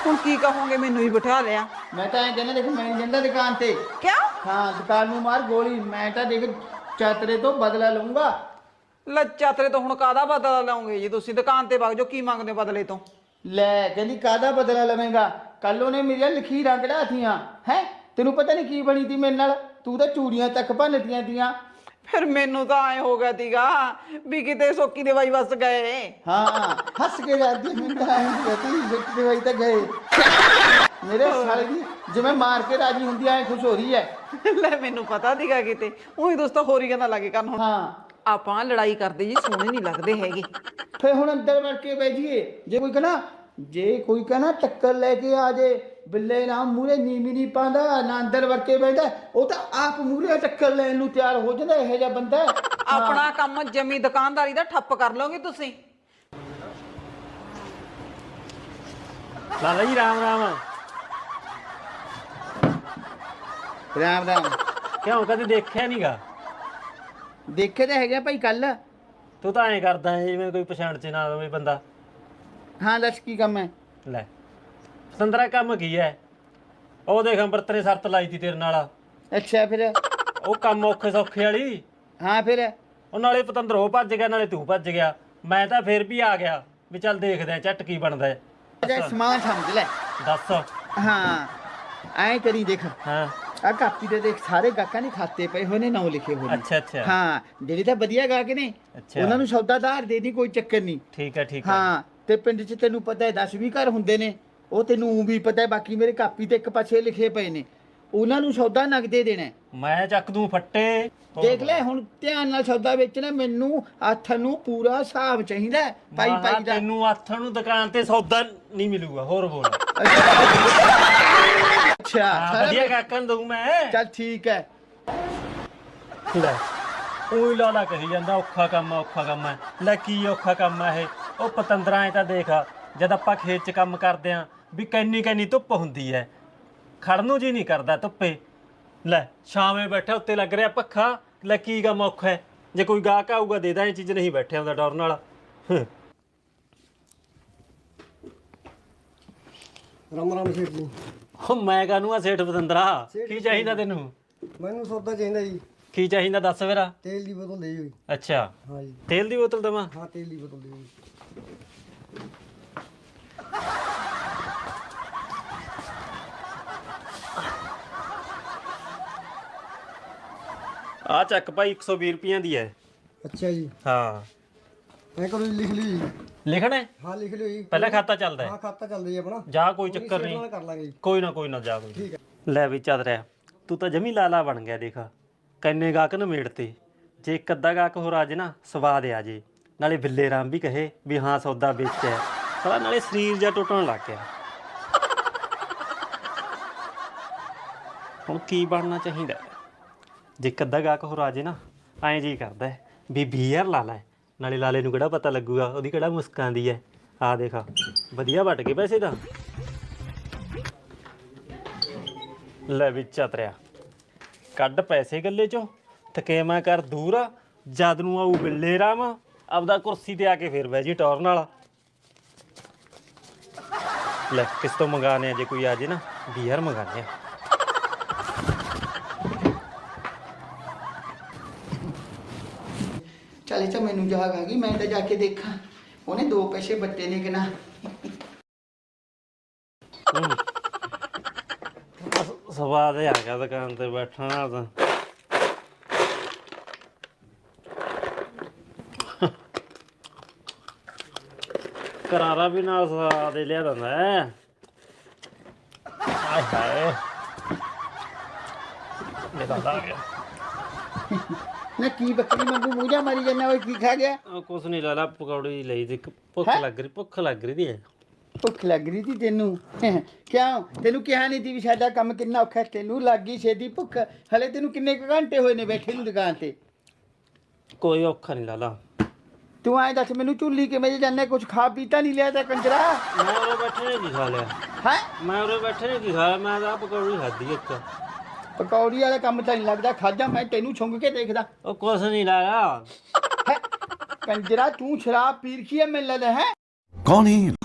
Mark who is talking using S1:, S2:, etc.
S1: ਹੁਣ ਕੀ ਕਹੋਗੇ, ਮੈਨੂੰ ਹੀ ਬਿਠਾ ਲਿਆ।
S2: मैं तो कहना देख मैं नहीं जाता दुकान ते।
S1: ਕਿਉਂ?
S2: हाँ दुकान में मार गोली, मैं तो देख चातरे तो बदला लूंगा।
S1: ਲੱਚਾ ਤੇਰੇ ਤੋਂ ਹੁਣ ਕਾਹਦਾ ਬਦਲਾ ਲਾਉਂਗੇ ਜੀ ਤੁਸੀਂ? ਦੁਕਾਨ ਤੇ ਵਗ ਜਾਓ, ਕੀ ਮੰਗਦੇ ਹੋ ਬਦਲੇ ਤੋਂ?
S2: ਲੈ ਕਹਿੰਦੀ ਕਾਹਦਾ ਬਦਲਾ ਲਵੇਂਗਾ? ਕੱਲ ਉਹਨੇ ਮੇਰੀਆਂ ਲਖੀਰਾਂ ਕਢਾਤੀਆਂ ਹੈ, ਤੈਨੂੰ ਪਤਾ ਨਹੀਂ ਕੀ ਬਣੀ ਤੀ ਮੇਰੇ ਨਾਲ। ਤੂੰ ਤਾਂ ਚੂੜੀਆਂ ਤੱਕ ਭੰਨਤੀਆਂ ਤੀਆਂ।
S1: ਫਿਰ ਮੈਨੂੰ ਤਾਂ ਐ ਹੋ ਗਿਆ ਤੀਗਾ ਵੀ ਕਿਤੇ ਸੋਕੀ ਦੇ ਬਾਈ ਵਸ ਗਏ।
S2: ਹਾਂ ਹੱਸ ਕੇ ਜਾਂਦੀ ਮੈਂ ਤਾਂ ਕਹਤੀ ਵਿਕਟ ਦੇ ਵਾਈ ਤਾਂ ਗਏ ਮੇਰੇ ਸਾਲੇ ਦੀ, ਜਿਵੇਂ ਮਾਰ ਕੇ ਰਾਜੀ ਹੁੰਦੀ ਐ ਖੁਸ਼ ਹੋ ਰਹੀ ਹੈ।
S1: ਲੈ ਮੈਨੂੰ ਪਤਾ ਤੀਗਾ ਕਿਤੇ ਉਹੀ ਦੋਸਤੋ ਹੋਰੀ ਕਹਿੰਦਾ ਲੱਗੇ ਕਰਨ। ਹੁਣ
S2: ਹਾਂ
S1: ਆਪਾਂ ਲੜਾਈ ਕਰਦੇ ਜੀ ਸੋਹਣੇ ਨਹੀਂ ਲੱਗਦੇ ਹੈਗੇ।
S2: ਫੇ ਹੁਣ ਅੰਦਰ ਵੜ ਕੇ ਬਹਿ ਜਾਈਏ। ਜੇ ਕੋਈ ਕਹਣਾ ਟੱਕਰ ਲੈ ਕੇ ਆ ਜੇ, ਬਿੱਲੇ ਨਾ ਮੂਹਰੇ ਨੀਵੀਂ ਨਹੀਂ ਪਾਉਂਦਾ ਨਾ ਅੰਦਰ ਵੜ ਕੇ ਬਹਿੰਦਾ, ਉਹ ਤਾਂ ਆਪ ਮੂਹਰੇ ਟੱਕਰ ਲੈਣ ਨੂੰ ਤਿਆਰ ਹੋ ਜਾਂਦਾ। ਇਹੋ ਜਿਹਾ ਬੰਦਾ
S1: ਆਪਣਾ ਕੰਮ ਜਮੀ ਦੁਕਾਨਦਾਰੀ ਦਾ ਠੱਪ ਕਰ ਲਓਗੇ ਤੁਸੀਂ।
S3: ਲਾਲਾ ਜੀ ਰਾਮ ਰਾਮ।
S2: ਰਾਮ ਰਾਮ।
S3: ਕਿਉਂ ਕਦੇ ਦੇਖਿਆ ਨਹੀਂਗਾ?
S2: ਦੇਖੇ ਤਾਂ ਹੈਗਾ ਭਾਈ ਕੱਲ।
S3: ਤੂੰ ਤਾਂ ਐਂ ਕਰਦਾ ਹੈ ਜਿਵੇਂ ਕੋਈ ਪਛਾਣ ਚ ਨਾ ਹੋਵੇ ਬੰਦਾ।
S2: ਹਾਂ ਦੱਸ ਕੀ ਕੰਮ ਹੈ?
S3: ਲੈ ਪਤੰਦਰਾ ਕੰਮ ਕੀ ਹੈ? ਉਹ ਦੇਖ ਅੰਮ੍ਰਿਤ ਨੇ ਸ਼ਰਤ ਲਾਈ ਤੀ ਤੇਰੇ ਨਾਲ।
S2: ਅੱਛਾ ਫਿਰ?
S3: ਉਹ ਕੰਮ ਔਖੇ ਸੌਖੇ ਵਾਲੀ।
S2: ਹਾਂ ਫਿਰ?
S3: ਉਹ ਨਾਲੇ ਪਤੰਦਰ ਉਹ ਭੱਜ ਗਿਆ ਨਾਲੇ ਤੂੰ ਭੱਜ ਗਿਆ। ਮੈਂ ਤਾਂ ਫਿਰ ਵੀ ਆ ਗਿਆ ਵੀ ਚੱਲ ਦੇਖਦੇ ਆ ਝੱਟ ਕੀ ਬਣਦਾ ਹੈ।
S2: ਸਮਾਨ ਸਮਝ ਲੈ।
S3: ਦੱਸ।
S2: ਹਾਂ ਐਂ ਕਰੀ ਦੇਖ,
S3: ਹਾਂ
S2: ਆ ਕਾਪੀ ਤੇ ਦੇਖ ਸਾਰੇ ਗਾਹਕਾਂ ਨੇ ਖਾਤੇ ਪਏ ਹੋਏ ਨੇ, ਨਾਮ ਲਿਖੇ ਹੋਏ ਨੇ।
S3: ਅੱਛਾ ਅੱਛਾ।
S2: ਹਾਂ ਜਿਹੜੇ ਤਾਂ ਵਧੀਆ ਗਾਹਕ ਨੇ
S3: ਅੱਛਾ।
S2: ਉਹਨਾਂ ਨੂੰ ਸੌਦਾ ਧਾਰ ਦੇ ਦੀ, ਕੋਈ ਚੱਕਰ ਨਹੀਂ।
S3: ਠੀਕ ਹੈ ਠੀਕ ਹੈ।
S2: ਹਾਂ ਤੇ ਪਿੰਡ 'ਚ ਤੈਨੂੰ ਪਤਾ ਹੈ 10-20 ਘਰ ਹੁੰਦੇ ਨੇ, ਉਹ ਤੈਨੂੰ ਵੀ ਪਤਾ ਹੈ। ਬਾਕੀ ਮੇਰੇ ਕਾਪੀ ਤੇ ਇੱਕ ਪਾਸੇ ਲਿਖੇ ਪਏ ਨੇ, ਉਹਨਾਂ ਨੂੰ ਸੌਦਾ ਨਗਦੇ ਦੇਣਾ।
S3: ਮੈਂ ਚੱਕ ਦੂੰ ਫੱਟੇ।
S2: ਦੇਖ ਲੈ ਹੁਣ ਧਿਆਨ ਨਾਲ ਸੌਦਾ ਵੇਚਣਾ, ਮੈਨੂੰ ਹੱਥ ਨੂੰ ਪੂਰਾ ਹਿਸਾਬ ਚਾਹੀਦਾ ਪਾਈ
S3: ਮਹਾਂ
S2: ਪਾਈ ਦਾ।
S3: ਤੈਨੂੰ ਆਥਣ ਨੂੰ ਦੁਕਾਨ ਤੇ ਸੌਦਾ ਨਹੀਂ ਮਿਲੂਗਾ। ਹੋਰ ਬੋਲ।
S2: ਅੱਛਾ ਸਾਰਾ
S3: ਵਧੀਆ ਕਾਕਨ ਦਊ ਮੈਂ।
S2: ਚੱਲ ਠੀਕ ਹੈ।
S3: ਲੈ ਉਹੀ ਲਾਲਾ ਕਹੀ ਜਾਂਦਾ ਔਖਾ ਕੰਮ ਆ ਔਖਾ ਕੰਮ ਹੈ। ਲੈ ਕੀ ਔਖਾ ਕੰਮ ਆ ਇਹ? ਉਹ ਪਤੰਦਰਾਂ ਐ ਤਾਂ ਦੇਖ, ਜਦ ਆਪਾਂ ਖੇਤ 'ਚ ਕੰਮ ਕਰਦੇ ਆਂ ਵੀ ਕੈਨੀ ਧੁੱਪ ਹੁੰਦੀ ਐ, ਖੜਨ ਨੂੰ ਜੀ ਨਹੀਂ ਕਰਦਾ ਧੁੱਪੇ। ਲੈ ਛਾਵੇਂ ਬੈਠਾ ਉੱਤੇ ਲੱਗ ਰਿਹਾ ਪੱਖਾ। ਲੈ ਕੀ ਕੰਮ ਔਖਾ ਹੈ? ਜੇ ਕੋਈ ਗਾਹਕ ਆਊਗਾ ਦੇ ਦਾਂ, ਇਹ ਚੀਜ਼ ਨਹੀਂ ਬੈਠਿਆ ਹੁੰਦਾ ਡਰ ਨਾਲ।
S4: ਰਾਮ ਰਾਮ ਸੇਠ ਜੀ।
S3: ਉਹ ਮੈਂ ਕਾਹਨੂੰ ਆ ਸੇਠ ਪਤੰਦਰਾ? ਕੀ ਚਾਹੀਦਾ ਤੈਨੂੰ?
S4: ਮੈਨੂੰ ਸੌਦਾ ਚਾਹੀਦਾ ਜੀ।
S3: ਕੀ ਚਾਹੀਦਾ ਦੱਸ ਮੇਰਾ।
S4: ਤੇਲ ਦੀ ਬੋਤਲ ਲਈ ਹੋਈ।
S3: ਅੱਛਾ
S4: ਹਾਂ ਜੀ।
S3: ਤੇਲ ਦੀ ਬੋਤਲ ਦੇਵਾਂ?
S4: ਹਾਂ ਤੇਲ ਦੀ ਬੋਤਲ ਲਈ ਹੋਈ।
S3: ਆ ਚੱਕ ਭਾਈ 120 ਰੁਪਈਆਂ ਦੀ ਹੈ।
S4: ਅੱਛਾ ਜੀ।
S3: ਹਾਂ
S4: ਐ ਕਰੋ ਜੀ, ਲਿਖ ਲਿਓ ਜੀ।
S3: ਲਿਖਣਾ ਹੈ?
S4: ਹਾਂ ਲਿਖ ਲਿਓ ਜੀ।
S3: ਪਹਿਲਾਂ ਖਾਤਾ ਚੱਲਦਾ
S4: ਹਾਂ
S3: ਹੈ?
S4: ਖਾਤਾ ਚੱਲ ਰਹੀ ਆਪਣਾ।
S3: ਜਾ ਕੋਈ ਚੱਕਰ
S4: ਸੇਠ
S3: ਨਹੀਂ।
S4: ਨਾਲ ਕਰ ਲਾਂਗੇ ਜੀ।
S3: ਕੋਈ ਨਾ ਜਾ ਕੋਈ।
S4: ਠੀਕ ਹੈ।
S3: ਲੈ ਵੀ ਚੱਲ ਰਿਹਾ। ਤੂੰ ਤਾਂ ਜਮੀ ਲਾਲਾ ਬਣ ਗਿਆ। ਦੇਖ ਕੰਨੇ ਗਾਹਕ ਨਮੇੜ ਤੇ। ਜੇ ਇੱਕ ਅੱਧਾ ਗਾਹਕ ਹੋਰ ਆ ਜੇ ਨਾ, ਸਵਾਦ ਆ ਜੇ, ਨਾਲੇ ਬਿੱਲੇ ਰਾਮ ਵੀ ਕਹੇ ਵੀ ਹਾਂ ਸੌਦਾ ਵੇਚਿਆ, ਸਾਲਾ ਨਾਲੇ ਸਰੀਰ ਜਿਹਾ ਟੁੱਟਣ ਲੱਗ ਗਿਆ। ਹੁਣ ਕੀ ਬਣਨਾ ਚਾਹੀਦਾ? ਜੇ ਇੱਕ ਅੱਧਾ ਗਾਹਕ ਹੋਰ ਆ ਜੇ ਨਾ, ਐਂ ਜੀ ਕਰਦਾ ਵੀ 20,000 ਲਾ ਲੈ, ਨਾਲੇ ਲਾਲੇ ਨੂੰ ਕਿਹੜਾ ਪਤਾ ਲੱਗੂਗਾ, ਉਹਦੀ ਕਿਹੜਾ ਮੁਸਕਾਂ ਦੀ ਹੈ। ਆ ਦੇਖ ਵਧੀਆ ਵੱਟ ਗਏ ਪੈਸੇ ਤਾਂ। ਲੈ ਵੀ ਚਤਰਿਆ, ਕੱਢ ਪੈਸੇ ਗੱਲੇ ਚੋਂ, ਥਕੇਮਾ ਕਰ ਦੂਰ। ਜਦ ਨੂੰ ਆਊ ਬਿੱਲੇ ਰਾਮ, ਆਪਦਾ ਕੁਰਸੀ ਤੇ ਆ ਕੇ ਫੇਰ ਬਹਿ ਜੀ ਟੌਰ ਨਾਲ। ਲੈ ਕਿਸ ਤੋਂ ਮੰਗਾਣੇ ਆ? ਜੇ ਕੋਈ ਆ ਜੇ ਨਾ 20,000 ਮੰਗਾਣੇ ਆ।
S2: ਚੱਲ ਇਹ ਤਾਂ ਮੈਨੂੰ ਜਾਗ ਆ ਗਈ, ਮੈਂ ਤਾਂ ਜਾ ਕੇ ਦੇਖਾਂ ਉਹਨੇ 2 ਪੈਸੇ ਬੱਟੇ ਨੇ ਕਿ ਨਾ।
S3: ਸਵਾਦ ਆ ਗਿਆ ਦੁਕਾਨ ਤੇ ਬੈਠਣਾ ਤਾਂ। ਕਰਾਰਾ ਵੀ ਨਾਲ ਸਵਾਦ ਲਿਆ ਦਿੰਦਾ ਹੈ। ਆਏ ਹਾਏ ਇਹ ਤਾਂ ਆ ਗਿਆ।
S2: ਨਾ ਕੀ ਬੱਕਰੀ ਵਾਂਗੂ ਮੂੰਹ ਜਾ ਮਾਰੀ ਜਾਂਦਾ, ਓਏ ਕੀ ਖਾ ਗਿਆ?
S3: ਕੁਛ ਨਹੀਂ ਲਾਲਾ, ਪਕੌੜੀ ਲਈ ਸੀ। ਭੁੱਖ ਲੱਗ ਰਹੀ ਦੀ ਹੈ।
S2: ਭੁੱਖ ਲੱਗ ਰਹੀ ਸੀ ਤੈਨੂੰ? ਕਿਉਂ ਤੈਨੂੰ ਕਿਹਾ ਨਹੀਂ ਸੀ ਵੀ ਸਾਡਾ ਕੰਮ ਕਿੰਨਾ ਔਖਾ? ਤੈਨੂੰ ਲੱਗ ਗਈ ਛੇਤੀ ਭੁੱਖ? ਹਲੇ ਤੈਨੂੰ ਕਿੰਨੇ ਕੁ ਘੰਟੇ ਹੋਏ ਨੇ ਬੈਠੇ ਨੂੰ ਦੁਕਾਨ ਤੇ?
S3: ਕੋਈ ਔਖਾ ਨਹੀਂ ਲਾਲਾ।
S2: ਤੂੰ ਐਂ ਦੱਸ ਮੈਨੂੰ, ਝੁੱਲੀ ਕਿਵੇਂ ਜੇ ਜਾਂਦਾ? ਕੁਝ ਖਾ ਪੀਤਾ ਨਹੀਂ ਲਿਆ ਤਾਂ ਕੰਜਰਾ?
S3: ਮੈਂ ਉਰੇ ਬੈਠੇ ਨੇ ਕੀ ਖਾ ਲਿਆ?
S2: ਹੈ
S3: ਮੈਂ ਉਰੇ ਬੈਠੇ ਨੇ ਕੀ ਖਾਇਆ? ਮੈਂ ਤਾਂ ਪਕੌੜੀ ਖਾਧੀ ਇੱਕ।
S2: ਪਕੌੜੀ ਵਾਲਾ ਕੰਮ ਤਾਂ ਨਹੀਂ ਲੱਗਦਾ, ਖਾਜਾ ਮੈਂ ਤੈਨੂੰ ਛੁੰਗ ਕੇ ਦੇਖਦਾ।
S3: ਉਹ ਕੁਛ ਨਹੀਂ ਲਾਇਆ।
S2: ਕੰਜਰਾ ਤੂੰ ਸ਼ਰਾਬ ਪੀ ਰਖੀ ਹੈ ਮੈਨੂੰ ਲੱਗਦਾ ਹੈ।
S5: कौन है?